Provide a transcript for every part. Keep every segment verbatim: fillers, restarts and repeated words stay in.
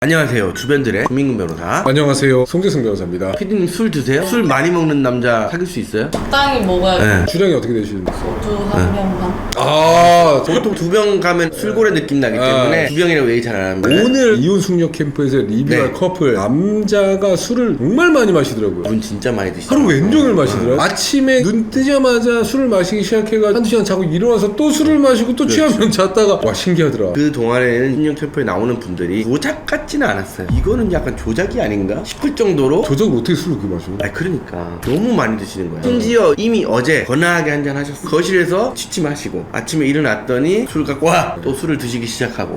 안녕하세요. 주변들의 김민근 변호사. 안녕하세요. 송재승 변호사입니다. 피디님 술 드세요? 술 많이 먹는 남자 사귈 수 있어요? 적당히 먹어야 돼. 네. 주량이 어떻게 되시는지? 소주 한 병 반. 아, 보통 두 병 가면 술고래 느낌 나기 때문에 아. 두 병이라고 얘기 잘 안 합니다. 오늘 이혼 숙녀 캠프에서 리뷰할 네. 커플 남자가 술을 정말 많이 마시더라고요. 분 진짜 많이 드시죠? 하루 왼종일 마시더라고요. 아침에 눈 뜨자마자 술을 마시기 시작해가 한두 시간 자고 일어나서 또 술을 마시고 또 취하면 잤다가 와 신기하더라. 그 동안에는 신년 캠프에 나오는 분들이 조작 같지는 않았어요. 이거는 약간 조작이 아닌가 싶을 정도로. 조작을 어떻게 술을 그렇게 마셔? 아 그러니까 너무 많이 드시는 거예요. 심지어 이미 어제 거나하게 한잔 하셨어요. 거실에서 취침하시고 아침에 일어났더니 술 갖고 와! 또 술을 드시기 시작하고.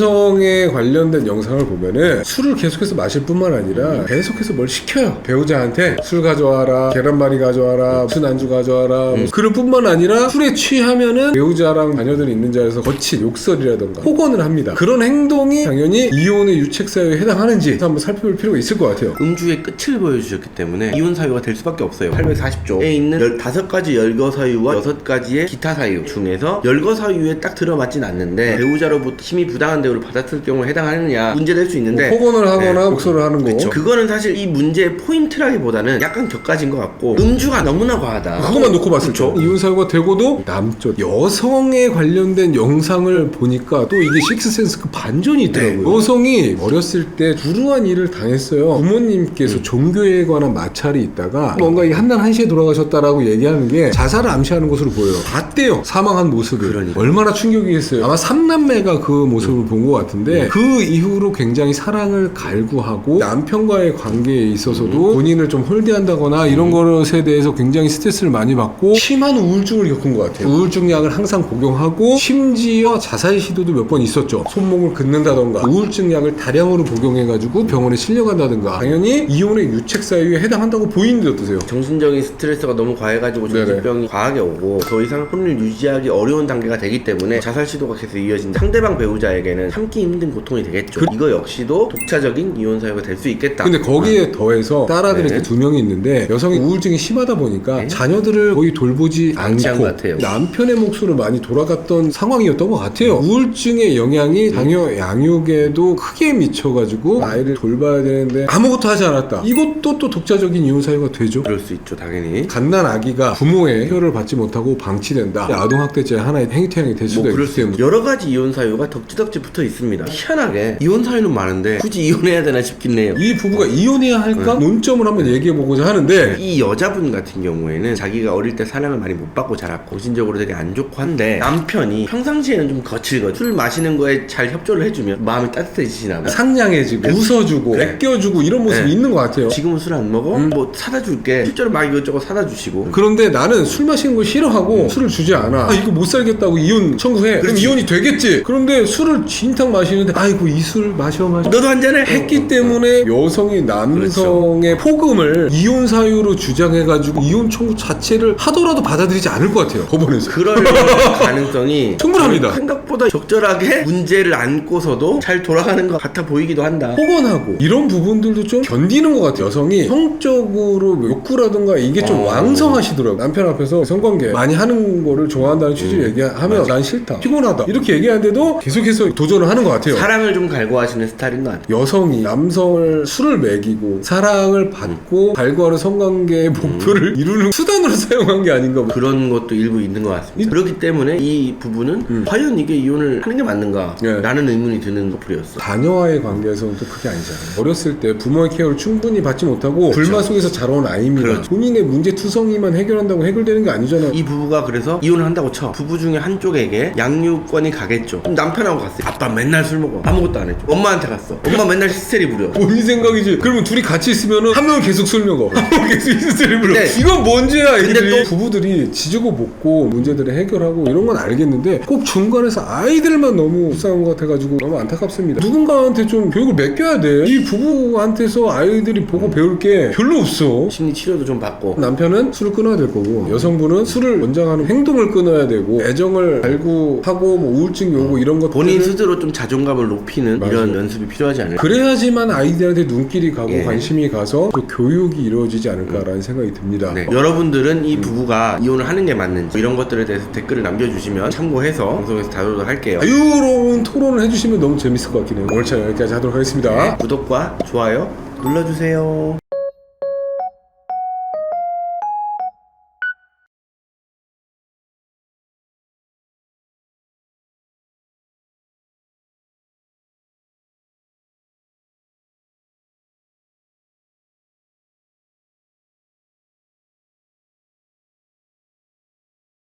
남성에 관련된 영상을 보면은 술을 계속해서 마실 뿐만 아니라 계속해서 뭘 시켜요. 배우자한테 술 가져와라, 계란말이 가져와라, 무슨 안주 가져와라. 음. 그럴 뿐만 아니라 술에 취하면은 배우자랑 자녀들이 있는 자리에서 거친 욕설이라던가 폭언을 합니다. 그런 행동이 당연히 이혼의 유책사유에 해당하는지 한번 살펴볼 필요가 있을 것 같아요. 음주의 끝을 보여주셨기 때문에 이혼 사유가 될 수밖에 없어요. 팔백사십 조에 있는 십오 가지 열거 사유와 여섯 가지의 기타 사유 중에서 열거 사유에 딱 들어맞진 않는데 배우자로부터 심히 부당한 대우를 받았을 경우에 해당하느냐 문제될 수 있는데, 뭐 폭언을 하거나 네. 욕설을 하는 거. 그렇죠. 그거는 사실 이 문제의 포인트라기보다는 약간 격가진 것 같고 음주가 너무나 과하다. 그것만 놓고 봤을 때 그렇죠. 이혼 사유가 되고도 남쪽 여성에 관련된 영상을 보니까 또 이게 식스센스 그 반전이 있더라고요. 네. 여성이 어렸을 때 불우한 일을 당했어요. 부모님께서 음. 종교에 관한 마찰이 있다가 뭔가 이 한날 한시에 돌아가셨다라고 얘기하는 게 자살을 암시하는 것으로 보여요. 봤대요. 사망한 모습을. 그러니까. 얼마나 충격이겠어요. 아마 삼남매가 그 모습을 본 것 같은데 그 이후로 굉장히 사랑을 갈구하고 남편과의 관계에 있어서도 본인을 좀 홀대한다거나 이런 것에 대해서 굉장히 스트레스를 많이 받고 심한 우울증을 겪은 것 같아요. 우울증 약을 항상 복용하고 심지어 자살 시도도 몇 번 있었죠. 손목을 긋는다던가 우울증 약을 다량으로 복용해가지고 병원에 실려간다든가. 당연히 이혼의 유책 사유에 해당한다고 보이는데 어떠세요? 정신적인 스트레스가 너무 과해가지고 네네. 정신병이 과하게 오고 더 이상 혼을 유지하기 어려운 단계가 되기 때문에 자살 시도가 계속 이어진다. 상대방 배우자에게는 참기 힘든 고통이 되겠죠. 그... 이거 역시도 독차적인 이혼 사유가 될 수 있겠다. 근데 거기에 더해서 딸아들이 네. 이렇게 두 명이 있는데 여성이 우울증이 심하다 보니까 네. 자녀들을 거의 돌보지 방치한 않고 것 같아요. 남편의 몫으로 많이 돌아갔던 상황이었던 것 같아요. 우울증의 영향이 자녀 양육에도 크게 미쳐가지고 아이를 돌봐야 되는데 아무것도 하지 않았다. 이것도 또 독자적인 이혼 사유가 되죠. 그럴 수 있죠, 당연히. 갓난 아기가 부모의 케어를 받지 못하고 방치된다. 아동학대죄 하나의 행위태양이 될 수도 뭐 그럴 있기 수 때문에. 있죠. 여러 가지 이혼 사유가 덕지덕지 붙어 있습니다. 희한하게 이혼 사유는 많은데 굳이 이혼해야 되나 싶긴 해요. 이 부부가 이혼해야 할까? 논점을 한번 얘기해보고자 하는데 이 여자분 같은 경우에는 자기가 어릴 때 사랑을 많이 못 받고 자랐고 정신적으로 되게 안 좋고 한데 남편이 평상시에는 좀 거칠거든. 술 마시는 거에 잘 협조를 해주면 마음이 따뜻해지시나 봐. 상냥해지고 웃어주고 네. 아껴주고 이런 모습이 네. 있는 것 같아요. 지금은 술 안 먹어? 음. 뭐 사다 줄게. 실제로 막 이것저것 사다 주시고. 그런데 나는 술 마시는 걸 싫어하고 술을 주지 않아. 아 이거 못 살겠다고 이혼 청구해. 그럼 그렇지. 이혼이 되겠지. 그런데 술을 진탕 마시는데 아이고 이 술 마셔 마셔 너도 한 잔해? 했기 때문에 여성이 남성의 폭음을 이혼 사유로 주장해가지고 이혼 청구 자체를 하더라도 받아들이지 않을 것 같아요. 법원에서. 그럴 가능성이 충분합니다. 생각보다 적절하게 문제를 안고서도 잘 돌아가는 것 같아 보이기도 한다. 폭언하고 이런 부분들도 좀 견디는 것 같아요. 여성이 성적으로 욕구라든가 이게 좀 어. 왕성하시더라고요. 남편 앞에서 성관계 많이 하는 거를 좋아한다는 취지로 음. 얘기하면 맞아. 난 싫다, 피곤하다 이렇게 얘기하는데도 계속해서 도전을 하는 것 같아요. 사랑을 좀 갈구하시는 스타일인 것 같아요. 여성이 남성을 술을 먹이고 사랑을 받고 갈구하는 성관계의 목표를 이루는 수단으로 사용한 게 아닌가. 그런 것도 일부 있는 것 같습니다. 이- 그렇기 때문에 이 부부는 음. 과연 이게 이혼을 하는 게 맞는가? 네. 라는 의문이 드는 커플이었어. 자녀와의 관계에서는 또 그게 아니잖아요. 어렸을 때 부모의 케어를 충분히 받지 못하고 불만 속에서 자라온 아이입니다. 그렇죠. 본인의 문제 투성이만 해결한다고 해결되는 게 아니잖아요. 이 부부가 그래서 이혼을 한다고 쳐. 부부 중에 한쪽에게 양육권이 가겠죠. 그럼 남편하고 갔어요. 아빠 맨날 술 먹어. 아무것도 안 했죠. 엄마한테 갔어. 엄마 맨날 히스테리 부려. 본인 생각이지. 그러면 둘이 같이 있으면은 한 명은 계속 술 먹어. 한 명은 계속 히스테리 불러. 근데- 이건 뭔지야. 근데 애들이. 또- 부부들이 지지고 볶고 문제들을 해결하고 이런 건 알겠는데 꼭 중간에서 아이들만 너무 불쌍한 것 같아가지고 너무 안타깝습니다. 누군가한테 좀 교육을 맡겨야 돼. 이 부부한테서 아이들이 보고 배울 게 별로 없어. 심리 치료도 좀 받고. 남편은 술을 끊어야 될 거고 여성분은 술을 원장하는 행동을 끊어야 되고 애정을 갈구하고 뭐 우울증이 오고 이런 것들 본인 스스로 좀 자존감을 높이는 맞아요. 이런 연습이 필요하지 않을까. 그래야지만 아이들한테 눈길이 가고 예. 관심이 가서 또 교육이 이루어지지 않을까라는 생각이 듭니다. 네. 여러분들은 이 부부가 이혼을 하는 게 맞는지 이런 것들에 대해서 댓글을 남겨주시면 참고해서 방송에서 다루도록 할게요. 자유로운 토론을 해주시면 너무 재밌을 것 같긴 해요. 오늘 참 여기까지 하도록 하겠습니다. 구독과 좋아요 눌러주세요.